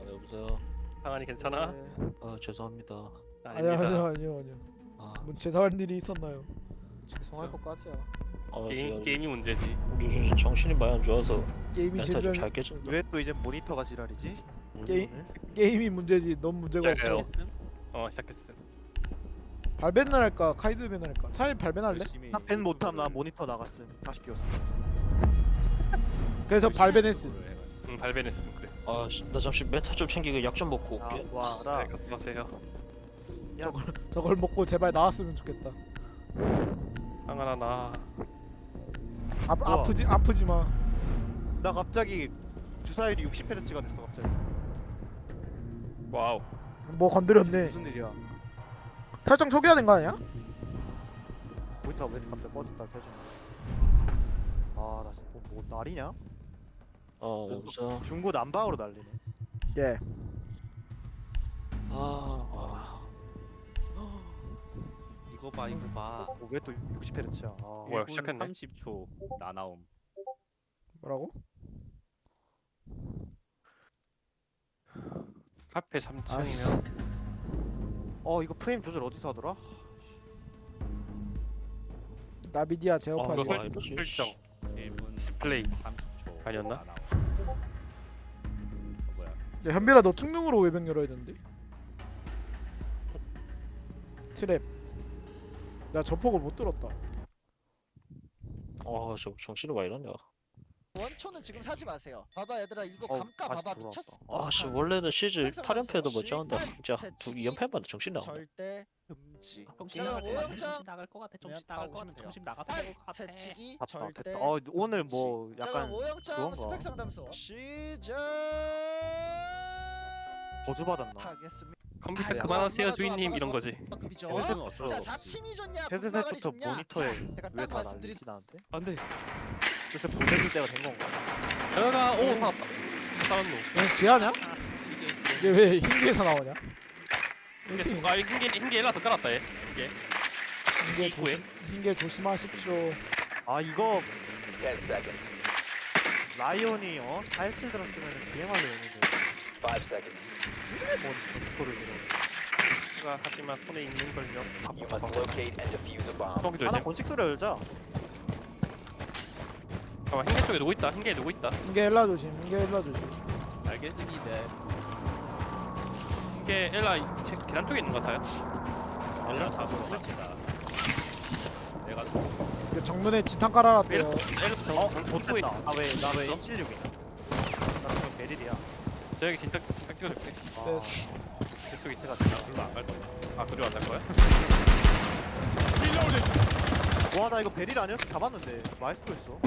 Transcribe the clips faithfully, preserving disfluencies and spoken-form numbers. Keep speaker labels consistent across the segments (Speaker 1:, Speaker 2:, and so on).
Speaker 1: 여보세요.
Speaker 2: 상한이 괜찮아?
Speaker 3: 네.
Speaker 1: 아 죄송합니다.
Speaker 3: 아니요
Speaker 2: 아닙니다.
Speaker 3: 아니요 아니요 아니요.
Speaker 1: 아,
Speaker 3: 뭐 죄송할 일이 있었나요?
Speaker 4: 죄송할 것까지야.
Speaker 1: 아
Speaker 2: 게임
Speaker 1: 야,
Speaker 2: 게임이 문제지.
Speaker 1: 요즘 정신이 많이 안 좋아서
Speaker 3: 게임이
Speaker 1: 멘탈
Speaker 3: 제병
Speaker 1: 좀잘 깨진다.
Speaker 4: 왜 또 이제 모니터가 지랄이지?
Speaker 3: 게임
Speaker 4: 오늘?
Speaker 3: 게임이 문제지. 넌 문제가 없어.
Speaker 2: 진짜요? 어 시작했음.
Speaker 3: 발벤을 할까 카이드벤을 할까? 차라리 발벤 할래?
Speaker 4: 나 밴 못함. 나 모니터 나갔음. 다시 끼웠음.
Speaker 3: 그래서 발벤했음.
Speaker 2: 응 발베네스 그래.
Speaker 1: 아, 나 잠시 멘탈 좀 챙기고 약 좀 먹고
Speaker 4: 아,
Speaker 1: 올게.
Speaker 4: 와라.
Speaker 2: 네, 갔다 가세요.
Speaker 3: 저걸 먹고 제발 나왔으면 좋겠다.
Speaker 2: 상한아 나
Speaker 3: 아,
Speaker 4: 우와.
Speaker 3: 아프지 아프지 마.
Speaker 4: 나 갑자기 주사율이 육십 헤르츠가 됐어 갑자기.
Speaker 2: 와우.
Speaker 3: 뭐 건드렸네.
Speaker 4: 무슨 일이야?
Speaker 3: 설정 초기화 된 거 아니야?
Speaker 4: 모니터가 왜 갑자기 꺼졌다 켜져? 아나 진짜 뭐, 뭐 날이냐?
Speaker 1: 어 여보세요.
Speaker 4: 중구 난방으로 날리네.
Speaker 3: 예.
Speaker 1: 아, 와.
Speaker 5: 이거 봐 이거 봐.
Speaker 4: 뭐 왜 또 육십 헤르츠야? 아,
Speaker 2: 뭐야, 시작했네.
Speaker 5: 삼십 초 나나옴.
Speaker 3: 뭐라고?
Speaker 2: 카페 삼 층이면
Speaker 4: 어 이거 프레임 조절 어디서 하더라?
Speaker 3: 나비디아
Speaker 2: 어,
Speaker 3: 제어판.
Speaker 2: 이거
Speaker 1: 와,
Speaker 2: 설,
Speaker 1: 뭐지?
Speaker 2: 설정
Speaker 5: 일 분
Speaker 2: 디스플레이
Speaker 5: 삼십 초
Speaker 2: 아니었나?
Speaker 5: 나나옴. 어, 뭐야?
Speaker 3: 야, 현빈아 너 특능으로 외벽 열어야 되는데. 트랩. 나 저폭을 못 들었다.
Speaker 1: 아, 저 정신이 왜 이러냐.
Speaker 6: 원초는 지금 사지 마세요. 봐봐 얘들아 이거
Speaker 4: 어,
Speaker 6: 감가
Speaker 4: 다시
Speaker 6: 봐봐
Speaker 4: 돌아왔다.
Speaker 6: 미쳤어.
Speaker 1: 아, 씨 원래는 시즈 팔 연패도 못 잡는다. 진짜 두 이 연패만 정신 나온다.
Speaker 6: 절대 금지.
Speaker 5: 정신
Speaker 6: 자,
Speaker 5: 나갈 것 같아.
Speaker 6: 오영장
Speaker 5: 정신 나갈 것 같아. 정신
Speaker 6: 다
Speaker 5: 나갈 것
Speaker 6: 오시면
Speaker 5: 같아.
Speaker 6: 돼요.
Speaker 5: 정신 나가서 먹을 것 같아.
Speaker 6: 채치기
Speaker 4: 됐다
Speaker 6: 절대.
Speaker 4: 됐다. 어 오늘 뭐
Speaker 6: 자,
Speaker 4: 약간
Speaker 6: 오영장
Speaker 4: 그건가?
Speaker 6: 스펙 상담소 시작.
Speaker 4: 거주 받았나?
Speaker 6: 하겠습니다.
Speaker 2: 컴퓨터
Speaker 6: 아이고,
Speaker 2: 그만하세요
Speaker 6: 얼마나
Speaker 2: 주인님
Speaker 6: 좋아,
Speaker 2: 이런
Speaker 6: 얼마나
Speaker 2: 거지.
Speaker 6: 그죠?
Speaker 5: 헤드셋은 어쩌?
Speaker 6: 자 자침이 좋냐 분바가리
Speaker 4: 헤드셋부터
Speaker 6: 좋냐.
Speaker 4: 모니터에
Speaker 6: 자, 내가
Speaker 4: 왜
Speaker 6: 딱
Speaker 4: 다
Speaker 6: 말씀드린
Speaker 4: 날리지 나한테?
Speaker 5: 안돼.
Speaker 4: 그래서 보내줄 때가 된 건가?
Speaker 2: 여가 오 사왔다. 사왔노.
Speaker 3: 얘 지하냐?
Speaker 5: 이게
Speaker 3: 이게 왜 흰개에서 나오냐?
Speaker 2: 흰게
Speaker 3: 흰개
Speaker 2: 순간 흰게 흰게 일라 더 깔았다 얘. 이게
Speaker 3: 흰개
Speaker 2: 입구에.
Speaker 3: 조심 흰개 조심하십시오.
Speaker 4: 아 이거 라이온이 어? 사일칠 들었으면 비행하려 했는데 뭔 전투를 이러
Speaker 2: 가 하지만 손에 있는 걸요.
Speaker 4: 하나
Speaker 2: 똥기 조심.
Speaker 4: 건식 소리 열자.
Speaker 2: 잠깐 흰게 쪽에 누구 있다. 흰게 누구 있다.
Speaker 3: 흰개 일라 조심. 흰개 일라 조심.
Speaker 5: 알겠습니다.
Speaker 2: 흰게 일라 이- 제- 계단 쪽에 있는 것 같아요.
Speaker 5: 알라 잡으러 갑니다. 내가
Speaker 3: 그 정문에 지탄 깔아놨대요.
Speaker 2: 일라
Speaker 4: 어?
Speaker 2: 정
Speaker 4: 못됐다. 아왜나왜
Speaker 2: 있어?
Speaker 4: 일 칠육이? 나 지금 베릴이야.
Speaker 2: 저기 진짜 진짜 찍어줄게.
Speaker 4: 아,
Speaker 2: 저쪽 있어.
Speaker 5: 이거 안갈 거야.
Speaker 2: 아 그리고 안갈 거야?
Speaker 4: 와 나 이거 베릴 아니었어 잡았는데 마이스터 있어.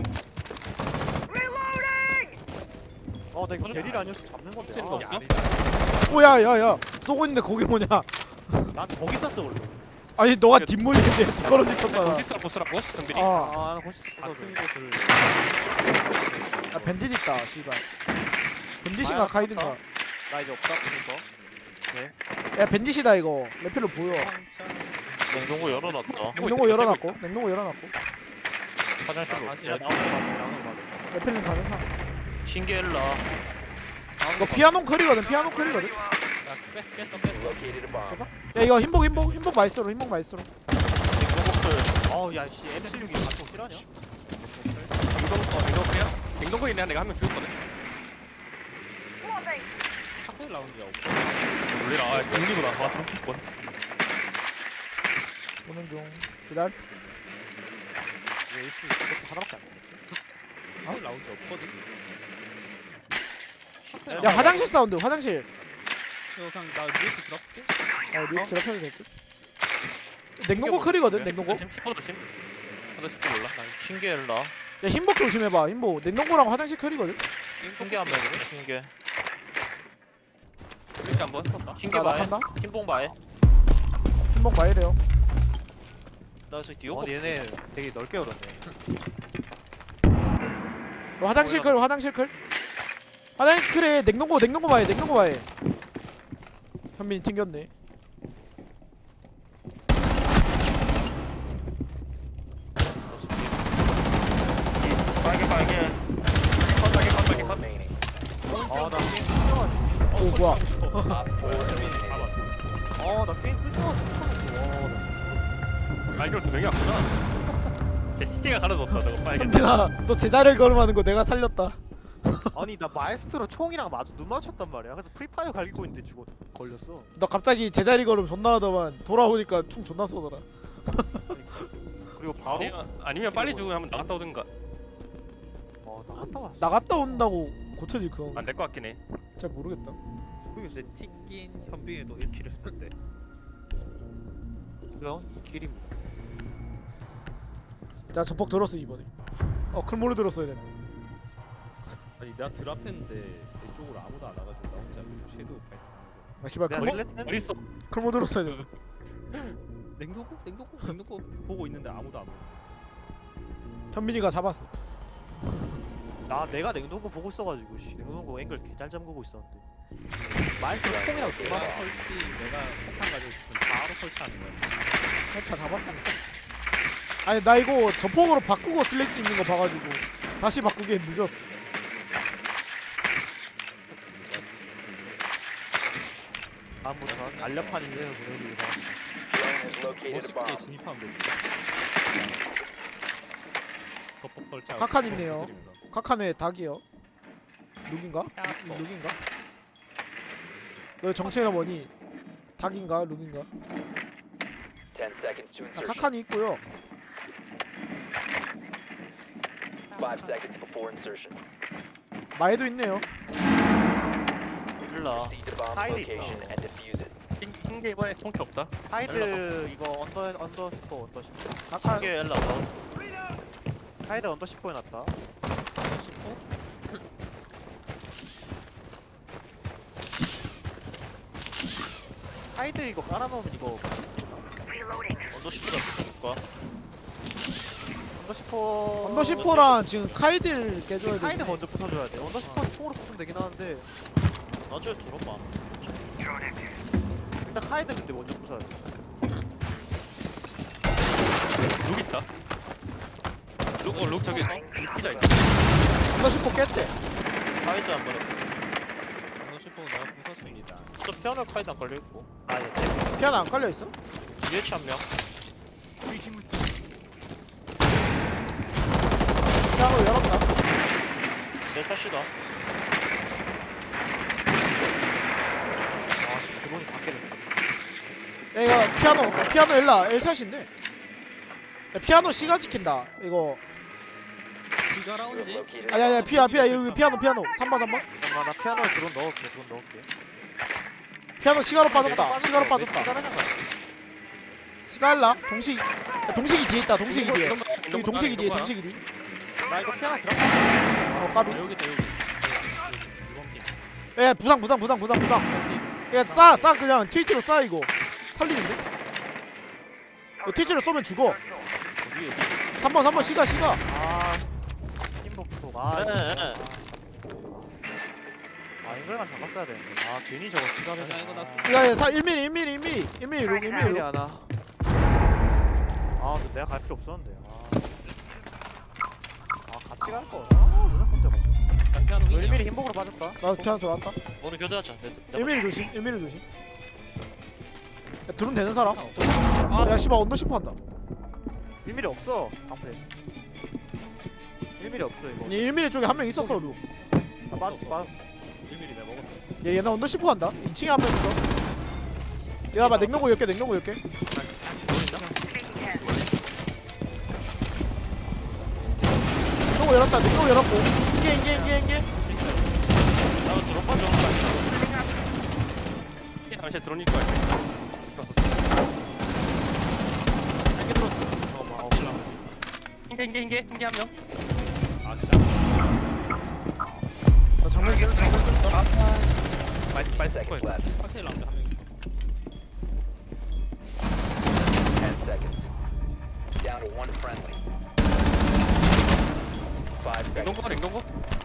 Speaker 4: 어나 이거 베릴 아니었어 잡는 건데.
Speaker 2: 혹시
Speaker 4: 아,
Speaker 2: 뭐 없어?
Speaker 3: 오야 야야 쏘고 있는데 거기 뭐냐?
Speaker 4: 난 거기 있었어 원래.
Speaker 3: 아니 너가 뒷문인데 뒷걸음질 쳤잖아.
Speaker 2: 보시스라 보스라고? 정빈이?
Speaker 3: 아,
Speaker 4: 아나 건식
Speaker 5: 같은 곳을
Speaker 3: 아 밴딧 있다. 씨발. 밴딧인가
Speaker 4: 아,
Speaker 3: 카이든가.
Speaker 4: 나 이제 없다 보니까.
Speaker 3: 야 밴딧이다 이거. 레필로 보여.
Speaker 1: 냉동고 열어놨다.
Speaker 3: 냉동고 열어놨고. 냉동고 열어놨고.
Speaker 1: 화장실로.
Speaker 5: 다시
Speaker 4: 야
Speaker 5: 할
Speaker 4: 나오는 거 나오는 거 나오는
Speaker 3: 레필링 가능사.
Speaker 1: 흰게 일라.
Speaker 3: 이거 피아노 클이거든. 피아노 클이거든.
Speaker 5: 자, 뺐어 뺐어 뺐어.
Speaker 3: 그래서 야 이거 흰복 흰복 흰복 마이스로 흰복 마이스로.
Speaker 4: 거. 어우 야씨 엠 칠육이 가끔 실화냐?
Speaker 2: 냉동 어 냉동고야? 냉동고에 내가 내가 한 명 죽였거든.
Speaker 5: 학교 라운지 없고.
Speaker 2: 놀래라. 아 공리구나. 와 죽고 싶건.
Speaker 3: 오는 중. 기다려.
Speaker 4: 왜 에이스 이것도 하나밖에 안 돼.
Speaker 5: 학교 라운지 없거든.
Speaker 3: 야 화장실 사운드. 화장실.
Speaker 5: 이거 그냥 나 리액트 들어볼게.
Speaker 3: 어 리액 드랍해도 될 듯. 냉동고 클이거든. 냉동고.
Speaker 2: 조심. 십호 조심. 하나 십호 몰라. 나
Speaker 1: 흰게 일라.
Speaker 3: 야 흰복 조심해봐. 흰복. 냉동고랑 화장실 클이거든.
Speaker 1: 흰게 한 명이네. 흰게.
Speaker 2: 이렇게 한번.
Speaker 1: 흰게
Speaker 3: 나
Speaker 1: 마에.
Speaker 3: 나간다.
Speaker 1: 흰봉 마에.
Speaker 3: 흰복 마이래요.
Speaker 1: 나 저기 디오.
Speaker 4: 어 얘네 되게 넓게 열었네.
Speaker 3: 어, 화장실 클. 화장실 클. 화장실 클에 냉동고 냉동고 마에 냉동고 마에. 현민이 튕겼네.
Speaker 2: 빨개 빨개. 컷 빨개 컷 빨개 컷.
Speaker 4: 아나 신경을.
Speaker 3: 오 뭐야?
Speaker 5: 잡았어.
Speaker 4: 아나 게임 끝나고 못하겠어.
Speaker 2: 아 이걸 두 명이 왔구나. 시체가 가려졌다 저거 빨개.
Speaker 3: 현빈아, 너 제자리를 걸음하는 거 내가 살렸다.
Speaker 4: 아니 나 마에스트로 총이랑 마주 눈 마주쳤단 말이야. 그래서 프리파이어 갈기고 있는데 죽어 걸렸어.
Speaker 3: 너 갑자기 제자리 걸음 존나 하더만 돌아오니까 총 존나 쏘더라.
Speaker 4: 그리고 바로
Speaker 2: 아니면, 아니면 빨리 죽으면 한번 나갔다 오든가.
Speaker 4: 어 나갔다 왔어.
Speaker 3: 나갔다 온다고 고쳐질 그건
Speaker 2: 안 될 것 같긴 해.
Speaker 3: 잘 모르겠다.
Speaker 5: 근데 튕긴 현빈이도 일 킬을 했는데.
Speaker 4: 그럼 이 길입니다.
Speaker 3: 자, 전폭 들었어 이번에. 어, 클모를 들었어야 돼.
Speaker 5: 아니 내가 드랍했는데 내 쪽으로 아무도 안 와가지고 나 혼자 섀도우 파이팅하면서
Speaker 3: 아, 씨발
Speaker 4: 내가
Speaker 3: 클모,
Speaker 4: 릴레
Speaker 2: 어디 있어?
Speaker 3: 클모 들었어야 돼.
Speaker 5: 냉동고 냉동고 냉동고 보고 있는데 아무도 안 와.
Speaker 3: 현빈이가 잡았어.
Speaker 4: 나 내가 냉동고 보고 있어가지고 씨, 냉동고 앵글 개잘 잠그고 있었는데 마에스트로 총이랑 눈
Speaker 5: 내가
Speaker 4: 마주.
Speaker 5: 설치 내가 폭탄 가지고 있었으면 바로 설치하는 거야.
Speaker 3: 다 잡았어. 아니 나 이거 전폭으로 바꾸고 슬래치 있는 거 봐가지고 다시 바꾸기엔 늦었어.
Speaker 4: 다음부터 알려판 인생을 보내주기 바랍니다.
Speaker 5: 멋있게 진입하면 되지. 덮밥 설치하고.
Speaker 3: 카칸 있네요.
Speaker 5: 터뜨리면서.
Speaker 3: 카카네 닭이요. 룩인가?
Speaker 5: 야,
Speaker 3: 룩인가? 너의 정체가 뭐니? 닭인가? 룩인가?
Speaker 7: ten seconds to
Speaker 3: 아,
Speaker 7: insertion.
Speaker 3: 카칸이 있고요.
Speaker 7: five seconds before insertion.
Speaker 3: 마에도 있네요.
Speaker 1: 일라.
Speaker 7: Proceed to bomb
Speaker 4: Hide it.
Speaker 7: location and defuse it.
Speaker 2: 흰게 이번에 총기 없다.
Speaker 4: 하이드 이거 언더 언더 스포 언더 스포.
Speaker 3: 카칸.
Speaker 1: 이게 엘라 더.
Speaker 4: 하이드 언더 스포 해놨다. 하이드 이거 깔아놓으면 이거
Speaker 1: 언더 시프라 줄까?
Speaker 4: 언더 스포.
Speaker 3: 언더 시포랑 지금 카이드를 깨줘야 돼.
Speaker 4: 하이드 먼저 붙어줘야 돼. 언더 스포 총으로 붙으면 되긴 하는데
Speaker 1: 나중에 들어봐.
Speaker 4: 일단 하이드 근데 먼저 붙어야 돼.
Speaker 2: 룩 있다. 룩, 어, 룩 저기 피자 있다.
Speaker 3: 언더 시포 깼대.
Speaker 1: 카이드 한 번에.
Speaker 5: 방금 슈퍼 내가 부쉈습니다.
Speaker 1: 또 피아노 카이드 안 걸려 있고.
Speaker 4: 아 예, 제
Speaker 3: 피아노 안 깔려 있어?
Speaker 1: 유해치 한 명.
Speaker 3: 피아노 열었다.
Speaker 1: 내 샷이다.
Speaker 4: 아 지금 드론이 밖에 됐어.
Speaker 3: 야, 이거 피아노 피아노 엘라 엘샷인데. 야, 피아노 C가 지킨다. 이거
Speaker 5: 지가 라운지.
Speaker 7: Located
Speaker 3: 아니 아니 피아 피아 여기 피아노 피아노 삼 번 삼 번.
Speaker 4: 잠깐만 나 피아노에 드론 넣을게. 드론 넣을게.
Speaker 3: 피아노 C가로 빠졌다. C가로 빠졌다.
Speaker 4: 시간
Speaker 3: C가 엘라 동식. 야, 동식이 뒤에 있다. 동식이 뒤에. 여기 동식이 뒤에 동식이 뒤.
Speaker 4: 나 이거 피아노 들어.
Speaker 3: 어 까비.
Speaker 5: 아, 여기 있다 여기. 이번 핑.
Speaker 3: 야 부상 부상 부상 부상 부상. 야싸 싸 그냥 트위치로 싸 이거. 살리는데? 너 트위치로 쏘면 죽어.
Speaker 1: 어디 어디.
Speaker 3: 삼 번 삼 번 C가 C가.
Speaker 4: 아 팀복톡. 아
Speaker 1: 네,
Speaker 4: 이거.
Speaker 1: 네.
Speaker 4: 아 이걸만 잡았어야 되는데. 아 괜히 저거 시간을.
Speaker 5: 야, 이거 나
Speaker 3: 야야 사 일 밀리 일 밀리 일 밀리 일 밀리 롱 일 밀리
Speaker 4: 일이
Speaker 3: 롱.
Speaker 4: 하나. 아 근데 내가 갈 필요 없었는데. 아, 아 같이 갈 거. 아 누나 혼자 가죠.
Speaker 5: 피아노
Speaker 4: 일
Speaker 5: 미니야.
Speaker 4: 밀리 흰복으로 빠졌다.
Speaker 3: 나도 피아노 들어왔다.
Speaker 1: 오늘 교대하자. 내, 내
Speaker 3: 일 밀리 조심 일 밀리 조심. 야 드론 되는 사람? 야 씨발 언더 시프 한다.
Speaker 4: 일 밀리 없어. 방패. 일 밀리 없어 이거.
Speaker 3: 아니 일 밀리 쪽에 한 명 있었어 루.
Speaker 4: 아, 빠졌어 빠졌어.
Speaker 5: 일 미리 내가 먹었어.
Speaker 3: 얘 얘나 언더 시프 한다. 이 층에 한 명 있어. 얘가 봐 냉동고 열 개 냉동고 열 개. 냉동고 열었다 냉동고 열었고. 인게 인게 인게 인게.
Speaker 1: 나도 드롭 빠져.
Speaker 2: 이게 당시에 드론일 거야.
Speaker 1: 한개 들었어.
Speaker 2: 잠깐만. 어, 흰게 흰게 흰게 흰게 한 명.
Speaker 5: 아 진짜.
Speaker 3: 나 장면 깨 장면 깨.
Speaker 2: 말씀 말씀
Speaker 7: seconds
Speaker 2: 거야.
Speaker 7: left.
Speaker 5: 칵테일 라운지 한 명 있어.
Speaker 7: ten seconds. Down to one friendly. five seconds.
Speaker 2: 냉동고 냉동고.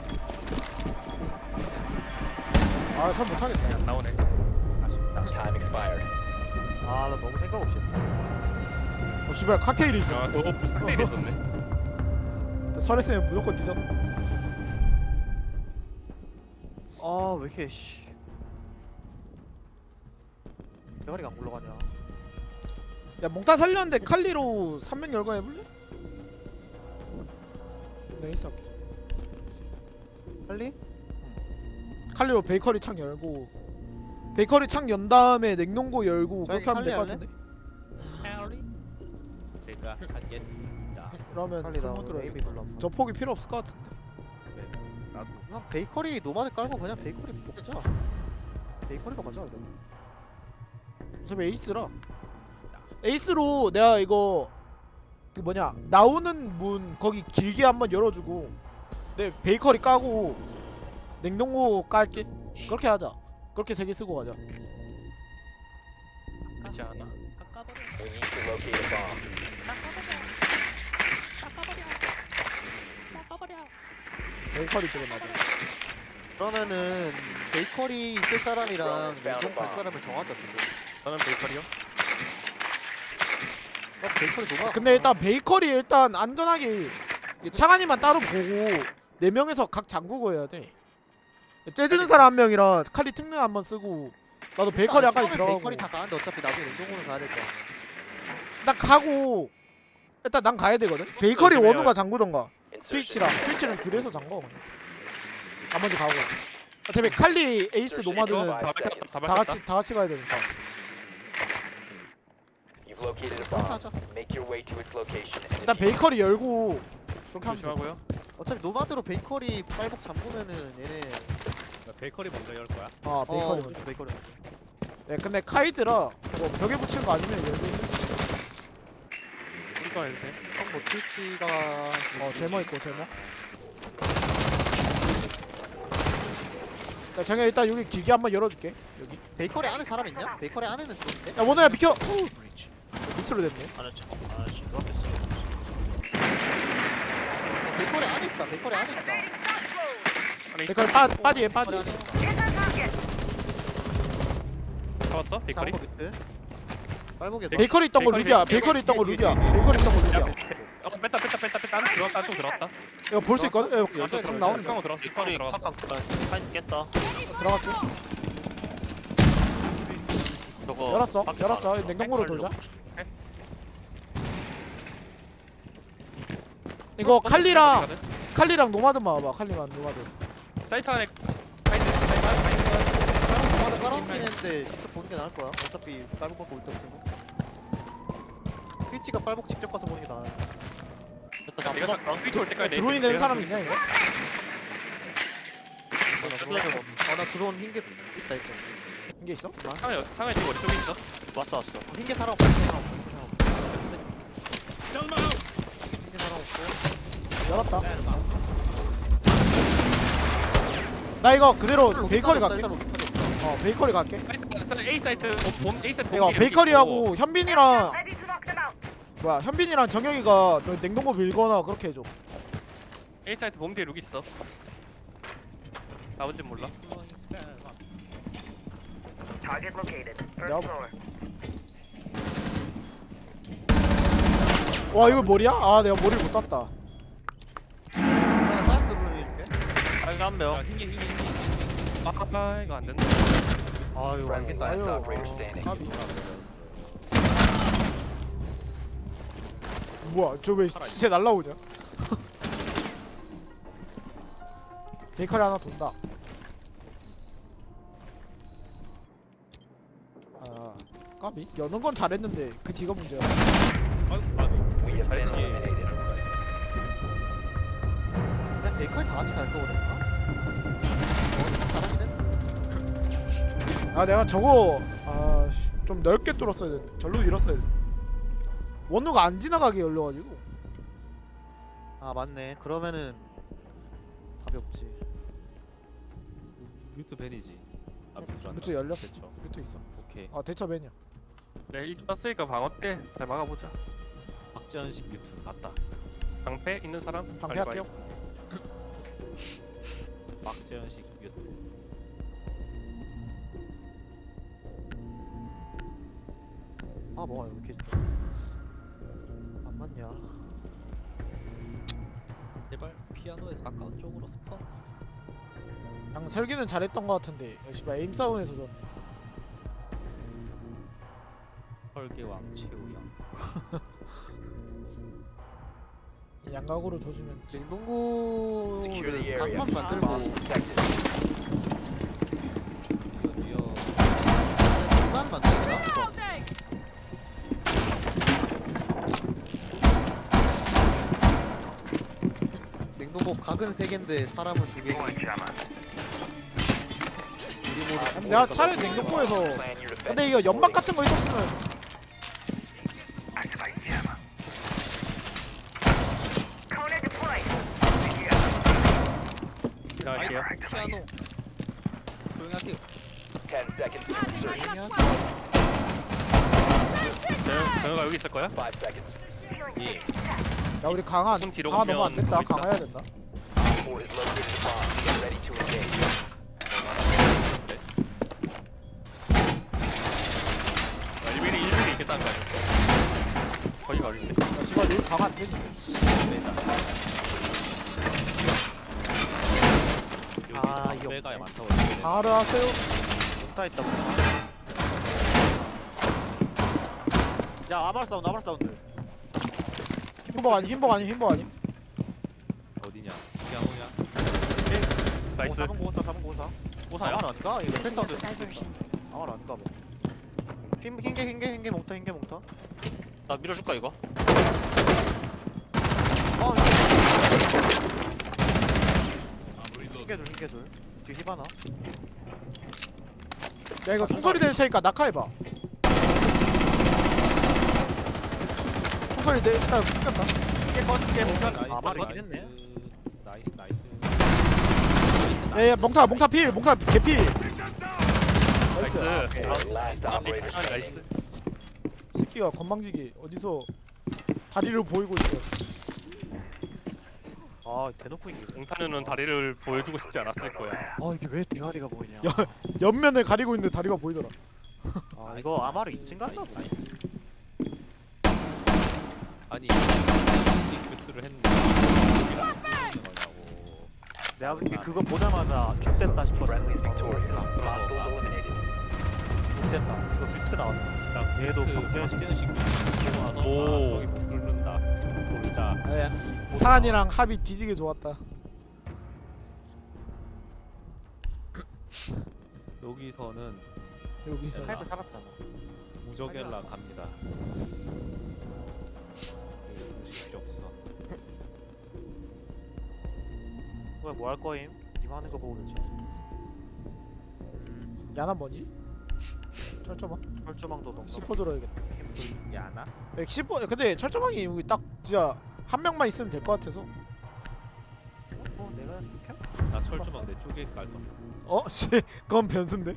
Speaker 3: 아선 못하겠다.
Speaker 2: 안 나오네.
Speaker 7: Time expired.
Speaker 4: 아 나 너무 생각 없이 했다.
Speaker 3: 어 씨발 칵테일이 있어.
Speaker 2: 아 그거 칵테일 있었네.
Speaker 3: 설했으면 무조건 뒤졌어.
Speaker 4: 아왜 이렇게 씨. 대가리가 안 굴러가냐?
Speaker 3: 야 몽타 살렸는데 칼리로 삼 명 열거 해볼래? 네 있어.
Speaker 4: 빨리?
Speaker 3: 칼리로 베이커리 창 열고 베이커리 창 연 다음에 냉동고 열고
Speaker 4: 저기
Speaker 3: 그렇게 하면 될 것
Speaker 4: 칼리
Speaker 3: 같은데.
Speaker 5: 제가 하겠습니다.
Speaker 3: 그러면
Speaker 4: 빨리 나
Speaker 3: 풀모드로
Speaker 4: 에이미
Speaker 3: 해야겠다.
Speaker 4: 불러.
Speaker 3: 저 폭이 필요 없을 것 같은데.
Speaker 5: 나도
Speaker 4: 그냥 베이커리 노마드 깔고 그냥 베이커리 먹자. 베이커리가 맞아 이거.
Speaker 3: 어차피 에이스라. 에이스로 내가 이거 그 뭐냐 나오는 문 거기 길게 한번 열어주고 내 베이커리 까고 냉동고 깔게. 그렇게 하자. 그렇게 세 개 쓰고 가자.
Speaker 2: 그렇지 않아?
Speaker 7: We need to locate a bomb.
Speaker 3: 베이커리 쪽에 맞아.
Speaker 4: 그러면은 베이커리 있을 사람이랑 냉동 갈 사람을 정하자 지금.
Speaker 2: 저는 베이커리요.
Speaker 4: 나 베이커리 노마.
Speaker 3: 근데 일단 베이커리 일단 안전하게 창한이만 따로 보고 네 명에서 각 잠그고 해야 돼. 째드는 사람 한 명이랑 칼리 특능 한번 쓰고 나도 베이커리 아까 들어가고
Speaker 4: 베이커리 다 가는데 어차피 나중에 냉동고는 가야 될 거야.
Speaker 3: 난 가고 일단 난 가야 되거든. 베이커리
Speaker 2: 그러면-
Speaker 3: 원우가 잠그던가
Speaker 7: Insertion.
Speaker 3: 트위치랑 트위치는 둘이서 잠궈 그냥. 나머지 가고 어차피 칼리 에이스 노마드는
Speaker 2: 다 밝혔다. 다
Speaker 3: 다
Speaker 2: 밝혔다.
Speaker 3: 같이 다 같이 가야 되니까.
Speaker 7: You've located a
Speaker 4: 그렇게
Speaker 7: bomb.
Speaker 4: 하자.
Speaker 7: Make your way to its location and
Speaker 3: 일단 베이커리 열고 그렇게 하면 돼.
Speaker 2: 조심하고요.
Speaker 4: 어차피 노마드로 베이커리 빨복 잠그면은 얘네.
Speaker 5: 나 베이커리 먼저 열 거야.
Speaker 3: 아
Speaker 4: 어,
Speaker 3: 베이커리.
Speaker 4: 무조건 베이커리.
Speaker 3: 네, 근데 카이드라 뭐 벽에 붙이는 거 아니면 열고 있을 수 있어.
Speaker 2: 우리거 해주세요.
Speaker 4: 형뭐 트위치가
Speaker 3: 어 제모 있고 제모. 야 정현 일단 여기 길게 한번 열어줄게. 여기.
Speaker 4: 베이커리 안에 사람 있냐? 베이커리 안에는 들어있는데?
Speaker 3: 야 원우야 비켜. 후. 밑으로 됐네.
Speaker 1: 안 했지 안 했지 너 앞에 있어.
Speaker 4: 어, 베이커리 안에 있다. 베이커리 안에 있다.
Speaker 2: 안에 있어.
Speaker 3: 베이커리 빠 빠디에
Speaker 4: 베이커리
Speaker 3: 빠디.
Speaker 4: 안에 있다.
Speaker 2: 잡았어? 베이커리?
Speaker 4: 장거 밑에. 빨복에서.
Speaker 3: 베이커리 있던 거
Speaker 2: 베이커리,
Speaker 3: 루비야.
Speaker 4: 베이커리,
Speaker 3: 베이커리 있던 거
Speaker 4: 뒤에,
Speaker 3: 루비야.
Speaker 4: 뒤에, 뒤에.
Speaker 3: 베이커리 있던 거 루비야.
Speaker 2: 어 뺐다 뺐다 뺐다 뺐다. 안쪽 들어왔다. 안쪽 들어왔다.
Speaker 3: 이거 볼 수 있거든. 이거
Speaker 4: 여자
Speaker 3: 그럼
Speaker 4: 들어왔어.
Speaker 3: 나오는 거
Speaker 2: 깡으로 들어왔어. 깡으로
Speaker 1: 베이커리
Speaker 2: 들어갔어.
Speaker 1: 팍팍 파인 깼다.
Speaker 3: 들어갈게.
Speaker 1: 저거
Speaker 3: 열었어.
Speaker 1: 밖에
Speaker 3: 열었어.
Speaker 1: 나왔어.
Speaker 3: 냉동고로
Speaker 1: 칼로.
Speaker 3: 돌자. 이거 칼리랑 칼리랑 노마드만 와봐. 칼리만 노마드.
Speaker 2: 사이트 안에 사이트 사이트 안에 사이트
Speaker 4: 노마드 깔아놓긴 했는데 직접 보는 게 나을 거야. 어차피 빨복 받고 올때 없으면. 트위치가 빨복 직접 가서 보는 게 나아.
Speaker 1: 됐다
Speaker 2: 내가
Speaker 1: 잡았다.
Speaker 2: 트위치 올 때까지
Speaker 3: 드로인 되는 사람 있냐 이거?
Speaker 4: 아나 들어온 흰개 있다 있다.
Speaker 3: 이게 있어?
Speaker 2: 상해 상해 지금 어디 쪽에 있어?
Speaker 1: 왔어 왔어.
Speaker 4: 흰개 사람 없어. 흰개 사람 없어. 흰개 사람 없고.
Speaker 3: 열었다. 나 이거 그대로 베이커리 갈게.
Speaker 4: 일단 로비 터져.
Speaker 3: 어 베이커리 갈게.
Speaker 2: 사이트 A 사이트 어, 봄 A 사이트
Speaker 3: 이거
Speaker 2: 봄
Speaker 3: 베이커리하고 현빈이랑 뭐야 현빈이랑 정영이가 너 냉동고 밀거나 그렇게 해줘.
Speaker 2: A 사이트 봄 뒤에 룩 있어. 나머지 몰라.
Speaker 3: 내가 와 이거 머리야? 아 내가 머리를 못 땄다.
Speaker 4: 나 다른 드론 해줄게.
Speaker 1: 빨간
Speaker 5: 야
Speaker 1: 명.
Speaker 5: 흰개 흰개 흰개 흰개.
Speaker 2: 아, 아 이거 안 된다.
Speaker 4: 아유 알겠다.
Speaker 3: 아유
Speaker 7: operator
Speaker 3: 아,
Speaker 7: standing.
Speaker 3: 까비. 뭐야 저 왜 시체 날라오냐? 베이커리 하나 돈다. 아 까비 여는 건 잘했는데 그 뒤가 문제야.
Speaker 5: 아이고 아이고.
Speaker 7: We have been
Speaker 5: 잘했네.
Speaker 7: eliminated.
Speaker 4: 그냥 베이커리 다 같이 갈 거 그랬나? 잘하긴 했.
Speaker 3: 아 내가 저거 아좀 넓게 뚫었어야 돼. 절로 밀었어야 돼. 원루가 안 지나가게 열려가지고.
Speaker 4: 아 맞네. 그러면은 답이 없지.
Speaker 5: 뮤트 벤이지. 아 뮤트 안.
Speaker 3: 뮤트 열렸어.
Speaker 5: 대처.
Speaker 3: 뮤트 있어.
Speaker 5: 오케이.
Speaker 3: 아 대처 벤이야.
Speaker 2: 네, 일 떴으니까 방어 때 잘 막아보자.
Speaker 5: 박재현식 뮤트 갔다.
Speaker 2: 방패 있는 사람?
Speaker 3: 방패
Speaker 2: 빨리
Speaker 3: 할게요.
Speaker 2: 봐요.
Speaker 5: 박재현식 뮤트.
Speaker 4: 아 뭐가 이렇게 안 맞냐?
Speaker 5: 제발 피아노에서 가까운 쪽으로 스폰.
Speaker 3: 방 설계는 잘했던 것 같은데. 야, 씨발 에임 싸움에서 전.
Speaker 5: 헐개왕 최우영.
Speaker 3: 양각으로 조지면
Speaker 4: 냉동고를
Speaker 7: Secure the area.
Speaker 4: 방만 만들고
Speaker 7: Bomb detected.
Speaker 5: 드디어
Speaker 4: 공간 만들까? 냉동고 각은 세 개인데 사람은 두 개.
Speaker 3: 내가 차라리 냉동고에서
Speaker 7: Plan your defense.
Speaker 3: 근데 이거 연막 같은 거 있었으면
Speaker 2: 지나갈게요.
Speaker 5: 피아노. 조용하세요.
Speaker 7: Ten seconds to insertion.
Speaker 2: 정- 정혁아 여기 있을 거야?
Speaker 7: Five seconds.
Speaker 5: 예.
Speaker 3: 야 우리 강한
Speaker 2: 무슨 뒤로
Speaker 3: 강한 너무 안
Speaker 2: 오면
Speaker 3: 됐다.
Speaker 2: 보이시나?
Speaker 3: 강화해야 된다.
Speaker 7: Four has located a bomb. Get ready to engage.
Speaker 2: 아, 일 밀리 일 밀리 있겠다는 거 아니었어? 거기가 어딘데?
Speaker 3: 야 씨발 여기 강화 안 되지.
Speaker 4: 아,
Speaker 5: 여기
Speaker 4: 이거
Speaker 5: 배가
Speaker 4: 없네.
Speaker 5: 많다고 했는데.
Speaker 3: 강화를 하세요.
Speaker 4: 못다 있다 보다. 야 아말 사운드 아말 사운드.
Speaker 3: 흰복 아니 흰복 아니 흰복 아니.
Speaker 5: 어디냐? 피아노냐?
Speaker 2: 나이스.
Speaker 4: 사번 고사 사번 고사.
Speaker 2: 오사야?
Speaker 4: 아말 아닌가? 이거 패 사운드 아말 아닌가 봐. 흰 흰개 흰개 흰개 몽타 흰개 몽타.
Speaker 1: 나 밀어줄까 이거?
Speaker 4: 아 흰개 둘 흰개 둘. 뒤 히바나.
Speaker 3: 야 이거 총소리 낼 테니까 낙하해봐. 총소리 내 일단 숨겼다.
Speaker 4: 흰개 꺼 흰개 몽타.
Speaker 5: 나이스,
Speaker 4: 아 말이긴
Speaker 5: 나이스.
Speaker 4: 했네.
Speaker 5: 나이스 나이스.
Speaker 3: 야야 몽타 몽타 필 몽타 개필.
Speaker 2: 나이스.
Speaker 3: 나이스.
Speaker 7: Last
Speaker 2: 아,
Speaker 7: operator
Speaker 2: 나이스.
Speaker 7: standing.
Speaker 3: 새끼가 건방지게 어디서 다리를 보이고 있어.
Speaker 4: 아 대놓고 이기네.
Speaker 2: 옹타누는 다리를 보여주고 싶지 않았을 거야.
Speaker 4: 아 이게 왜 대가리가 보이냐.
Speaker 3: 야. 옆면을 가리고 있는데 다리가 보이더라.
Speaker 4: 아 이거 아마르 이 층 갔나
Speaker 5: 나이스,
Speaker 4: 보네.
Speaker 5: 나이스. 아니 이 큐트를 했는데 여기랑 거냐고.
Speaker 4: 내가 근데 그거 보자마자 족됐다 싶었어.
Speaker 7: Friendly is victorious.
Speaker 5: 아, 그런 거
Speaker 7: Hostiles
Speaker 5: 봐.
Speaker 4: 족됐다.
Speaker 7: eliminated.
Speaker 4: 이거 뮤트 나왔어. 얘도
Speaker 5: 그
Speaker 4: 박재현식.
Speaker 5: 박재현식 와서
Speaker 2: 오.
Speaker 5: 아, 저기 못 뚫는다. 돌자.
Speaker 3: 창한이랑 합이 뒤지게 좋았다.
Speaker 5: 여기서는
Speaker 3: 여기서
Speaker 4: 하이브 살았잖아.
Speaker 5: 무적엘라 갑니다. 그 음식 필요 없어.
Speaker 4: 왜 뭐 할 거임? 님 하는 거 보고 그렇죠.
Speaker 3: 야나 뭐지? 철조망?
Speaker 4: 혈조망도 너무.
Speaker 3: 시포 들어야겠다.
Speaker 5: 야나?
Speaker 3: 야, 시포 근데 철조망이 여기 딱 진짜 한 명만 있으면 될 것 같아서.
Speaker 4: 어 내가 켜?
Speaker 5: 나 철조망 내 쪽에 깔 건데.
Speaker 3: 어? 씨 그건 변수인데?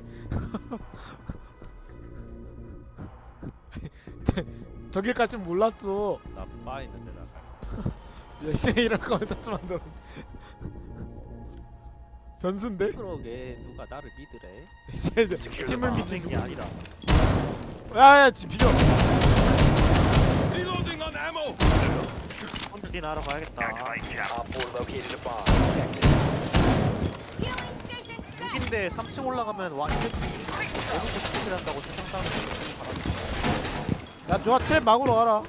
Speaker 3: 저길 갈 줄 몰랐어.
Speaker 5: 나바 있는데 나 갈.
Speaker 3: 야 이제 이럴 거면 철조망 들어. 변수인데?
Speaker 5: 그러게 누가 나를 믿으래?
Speaker 3: 씨, 팀을 미친
Speaker 4: 게 아니다.
Speaker 3: 야야 지 비켜.
Speaker 4: 혼자 나러 가야겠다.
Speaker 7: Op four located a bomb. Protect it.
Speaker 4: 육인데 삼 층 올라가면 와 이제 계속 스킬 한다고 세상 사람들 바라지.
Speaker 3: 야 좋아 트랩 막으러 와라.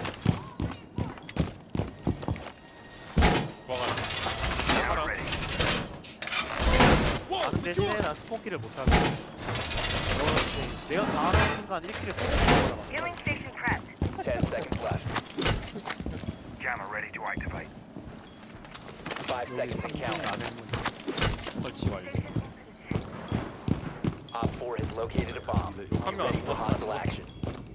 Speaker 4: 나는 대신에 난 스폰키를 못하게. 내가 다 하는 순간 일 킬을 쏘는
Speaker 7: Ten seconds left. Five
Speaker 5: 여기
Speaker 7: seconds to
Speaker 5: 상중
Speaker 7: count.
Speaker 5: 안에 설치 완료.
Speaker 7: Op four has located a bomb.
Speaker 2: 욕하면 안
Speaker 7: Ready for
Speaker 2: 돼.
Speaker 7: hostile action.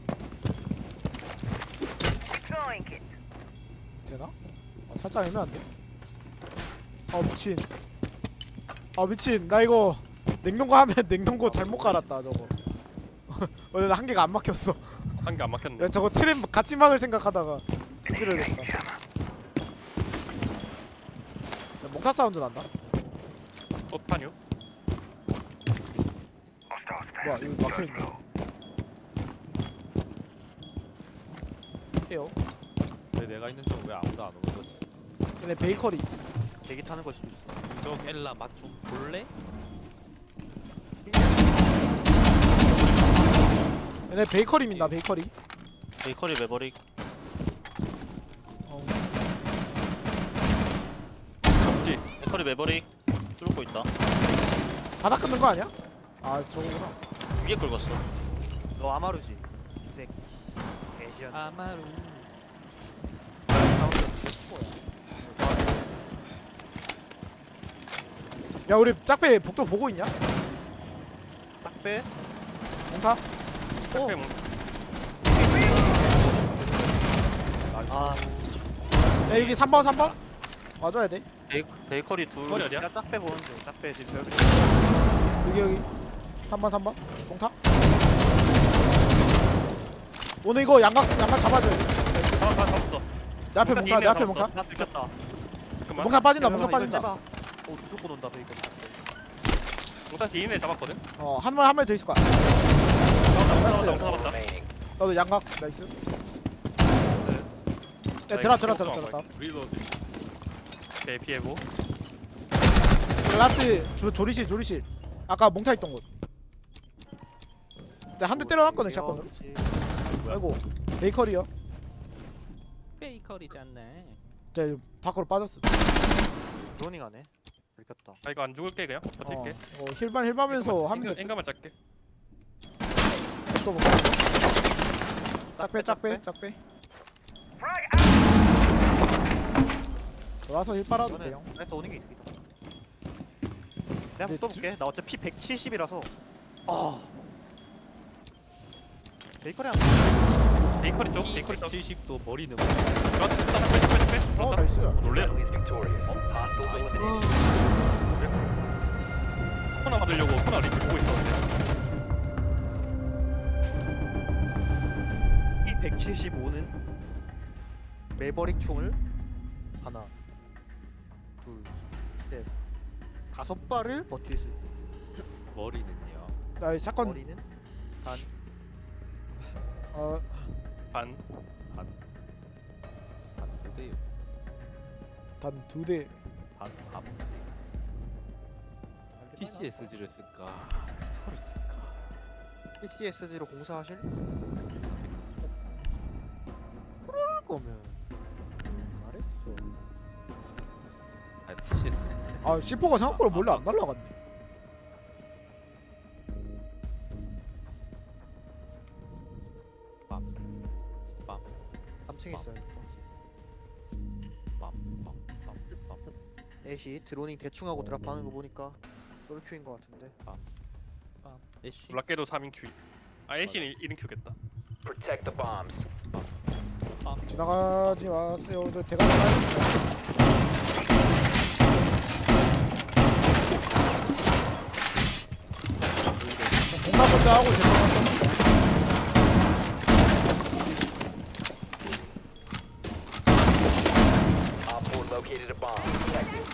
Speaker 3: 되나? 아, 살짝 애매한데? 아 미친. 아 미친 나 이거 냉동고 하면 냉동고 잘못 갈았다 저거. 어, 나 한 개가 안 막혔어.
Speaker 2: 한 개 안 막혔네.
Speaker 3: 야 저거 트랩 같이 막을 생각하다가 찌질해졌다. 야, 목타 사운드 난다.
Speaker 2: 또 타뉴?
Speaker 3: 뭐야 이거 막혀있네. 해요.
Speaker 5: 왜 내가 있는 쪽 왜 아무도 안 오는 거지?
Speaker 3: 근데 베이커리.
Speaker 4: 대기 타는 걸 수도 있어.
Speaker 5: 무적엘라 맛 좀 볼래?
Speaker 3: 얘네 얘네 베이커리 민다 베이커리.
Speaker 1: 베이커리 매버릭.
Speaker 3: 어.
Speaker 2: 없지.
Speaker 1: 베이커리 매버릭 뚫고 있다.
Speaker 3: 바닥 끊는 거 아니야? 아 저거구나.
Speaker 1: 위에 긁었어.
Speaker 4: 너 아마루지 이 새끼 개시한
Speaker 5: 아마루.
Speaker 3: 야 우리 짝배 복도 보고 있냐?
Speaker 4: 딱빼
Speaker 3: 몽타?
Speaker 2: 오.
Speaker 1: 아
Speaker 3: 야 여기 삼 번 삼 번 와줘야 돼.
Speaker 1: 베이, 베이커리 둘.
Speaker 2: 머리 어디야?
Speaker 4: 야 짝빼 보는 중 짝빼 지금 별
Speaker 3: 여기 여기 삼 번 삼 번 몽타? 오늘 이거 양각 양각 잡아줘야 돼.
Speaker 2: 아, 다 잡았어.
Speaker 3: 내 앞에 몽타 내 앞에 몽타.
Speaker 4: 나 들켰다
Speaker 2: 잠깐만.
Speaker 3: 몽타 빠진다
Speaker 4: 이거
Speaker 3: 몽타
Speaker 4: 이거
Speaker 3: 빠진다.
Speaker 4: 째봐. 오 무조건 온다 베이컨
Speaker 2: 몽타 뒤에 잡았거든.
Speaker 3: 어한 번 한 번 더 있을 거야.
Speaker 2: 잡았다.
Speaker 3: 나이스.
Speaker 2: 잡았다. 잡았다.
Speaker 7: remaining.
Speaker 3: 너도 양각 나이스. 야
Speaker 2: 나
Speaker 3: 들어
Speaker 2: 이거
Speaker 3: 들어
Speaker 2: 좀
Speaker 3: 들어
Speaker 2: 안
Speaker 3: 들어.
Speaker 5: 리로드.
Speaker 2: 오케이 피해보.
Speaker 3: 라스 조, 조리실 조리실. 아까 몽타 있던 곳. 내가 한 대 때려놨거든 샷건으로. 아이고 베이커리요.
Speaker 5: 베이커리잖아.
Speaker 3: 이제 밖으로 빠졌어.
Speaker 4: 드로닝하네 들켰다
Speaker 2: 아 이거 안 죽을게 그냥
Speaker 3: 어,
Speaker 2: 버틸게.
Speaker 3: 어 힐반 힐반면서 하면 돼.
Speaker 2: 엔가만 짧게.
Speaker 3: 또 뭐. 짝배 짝배 짝배. 돌아서 힐 빨아도 돼요.
Speaker 4: 이거는 나이트 오는 게 이득이다 내가
Speaker 3: 근데
Speaker 4: 또 볼게 나 어차피 피 백칠십이라서 아 베이커리 한
Speaker 2: 베이커리 쪽. 베이커리 쪽.
Speaker 5: 칠십도 머리는
Speaker 2: 빼 빼 빼.
Speaker 3: 어 나이스.
Speaker 2: 놀래.
Speaker 7: Friendly is victorious. Hostiles eliminated.
Speaker 2: 코나 받으려고 코나 리플 보고 있었는데.
Speaker 4: 피 백칠십오는 매버릭 총을 하나 둘셋 다섯 발을 버틸 수 있다
Speaker 5: 머리는요.
Speaker 3: 나이 샷건
Speaker 4: 머리는 단
Speaker 3: 어
Speaker 2: 반.
Speaker 5: 한 두 대요.
Speaker 3: 단 두 대.
Speaker 5: 반 반. 티씨에스지를 쓸까? 스토를 쓸까?
Speaker 4: 티씨에스지로 공사하실
Speaker 5: 벡터
Speaker 4: 그럴 거면 말했어
Speaker 5: 아 티씨에스지.
Speaker 3: 아 씨포가 생각보다 몰래 안 날라갔네.
Speaker 5: 빰빰빰빰
Speaker 4: 삼 층에 있어야겠다 애쉬 드로닝 대충 하고 드랍하는 거 보니까 솔큐인 거 같은데
Speaker 5: 애쉬.
Speaker 2: 블락게도 삼 인 큐. 아 애쉬는 일 인 큐겠다.
Speaker 7: Protect the bombs.
Speaker 3: 지나가지 마세요. 저 대가리 빠졌어. 공감 먼저 하고 죄송합니다.
Speaker 7: Op four located a bomb. Protect it.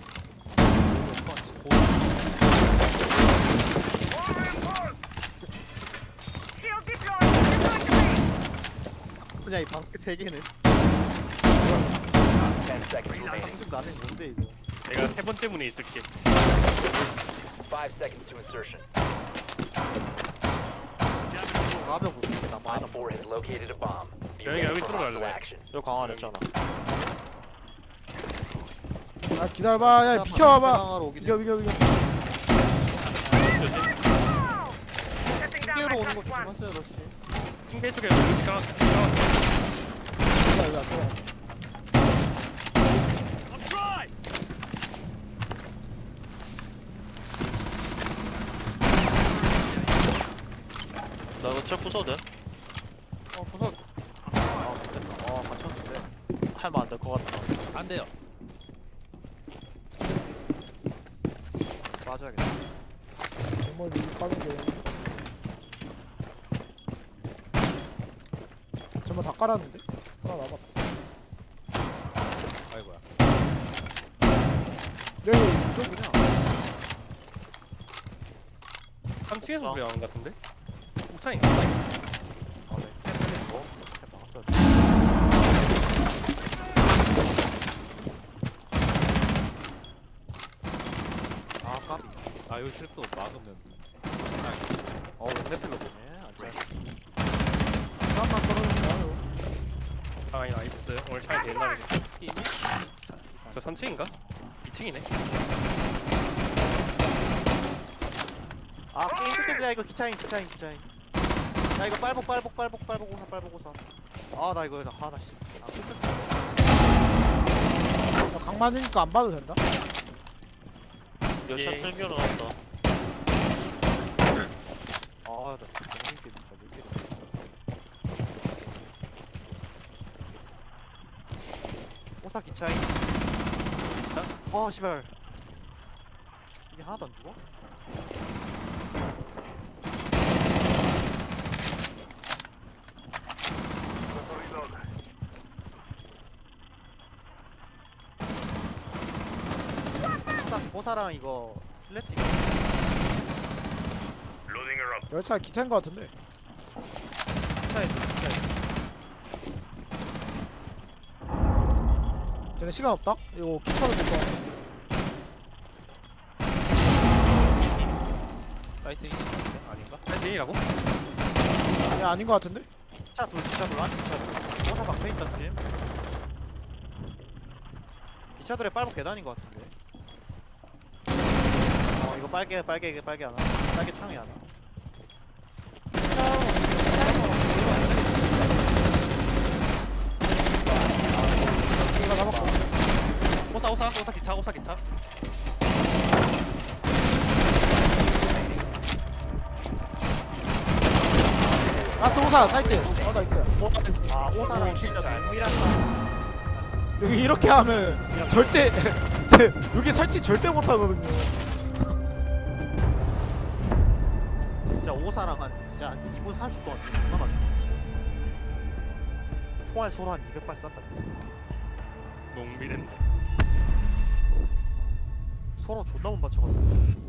Speaker 4: 그냥 이 방패 세 개는
Speaker 7: Ten seconds remaining.
Speaker 4: 방금 나는 뭔데 이거
Speaker 2: 내가 세 번째 문에 있을게.
Speaker 7: Five seconds to insertion.
Speaker 4: 가면 볼게 나 많이
Speaker 7: Op four has located a bomb. Be
Speaker 2: 여기,
Speaker 7: ready
Speaker 2: 여기
Speaker 7: for
Speaker 2: 들어갈래.
Speaker 7: hostile action.
Speaker 1: 여기 강화했잖아.
Speaker 3: 아 기다려봐. 야 비켜봐봐.
Speaker 4: 하러 오긴
Speaker 3: 비켜 비켜 비켜.
Speaker 4: 로 오는 거 조심하세요 러시
Speaker 2: 킹게 쪽에 루시 강한 강한.
Speaker 3: 기다려 기다려.
Speaker 1: 나 이거 트랩 부숴도 돼?
Speaker 2: 어 부서.
Speaker 4: 아 못됐다 아 맞췄는데
Speaker 1: 하면 안 될 것 같다.
Speaker 5: 안 돼요.
Speaker 4: 맞아야겠다
Speaker 3: 정말 미리 까는 게. 정말 다 깔았는데? 하나 남았다.
Speaker 5: 아이고야.
Speaker 3: 야 이거 이거 그냥.
Speaker 2: 삼 층에서
Speaker 1: 없어.
Speaker 2: 소리 나는 것 같은데? 옥상인가? 옥상인가?
Speaker 4: 아네 템 막았어야 아 까비
Speaker 5: 아 여기 트랩도 막으면.
Speaker 4: 어 왼대필로 보네 안 돼.
Speaker 2: 아이 나이스. 오늘 차이 내 옛날에. 저 삼 층인가? 이 층이네.
Speaker 4: 아 게임 끝겠어. 야 이거 기차인 기차인 기차인. 야 이거 빨복 빨복 빨복 빨복 오사 빨복 오사. 아 나 이거 하나 씨. 아 끝났어.
Speaker 3: 야, 강 맞으니까 안 봐도 된다.
Speaker 1: 여샷
Speaker 2: 예.
Speaker 1: 들겨 나왔다.
Speaker 4: 아나 너무 힘들게 진짜 왜 이렇게. 오사 기차인.
Speaker 2: 기차?
Speaker 4: 아 씨발. 이게 하나도 안 죽어? 오사 오사랑 이거 슬래치.
Speaker 3: 열차 기차인 거 같은데.
Speaker 4: 기차에 기차에.
Speaker 3: 쟤네 시간 없다. 이거 기차로 될 거야.
Speaker 5: 사이트 이 아닌가?
Speaker 2: 사이트이라고?
Speaker 3: 아니 아닌 거 같은데.
Speaker 4: 기차 둘 기차 둘 안 기차 둘. 오사 박혀 있던 팀. 기차들의 빨복 계단인 것 같은데. 어 이거 빨개 빨개 이게 빨개 하나. 빨개 창이 하나.
Speaker 3: 이거 잡았고.
Speaker 2: 오사 오사 오사 기차 오사 기차.
Speaker 3: 라스 오사 사이트. 어나 있어요.
Speaker 4: 아 오사랑 진짜 동일한.
Speaker 3: 여기 이렇게 하면 절대 제 여기 설치 절대 못 하거든요.
Speaker 4: 진짜 오사랑 한 진짜 한 이 분 삼십 동안 존나 맞. 총알 서로 한 이백 발 쐈다.
Speaker 2: 농비는
Speaker 4: 서로 존나 못 맞춰가지고.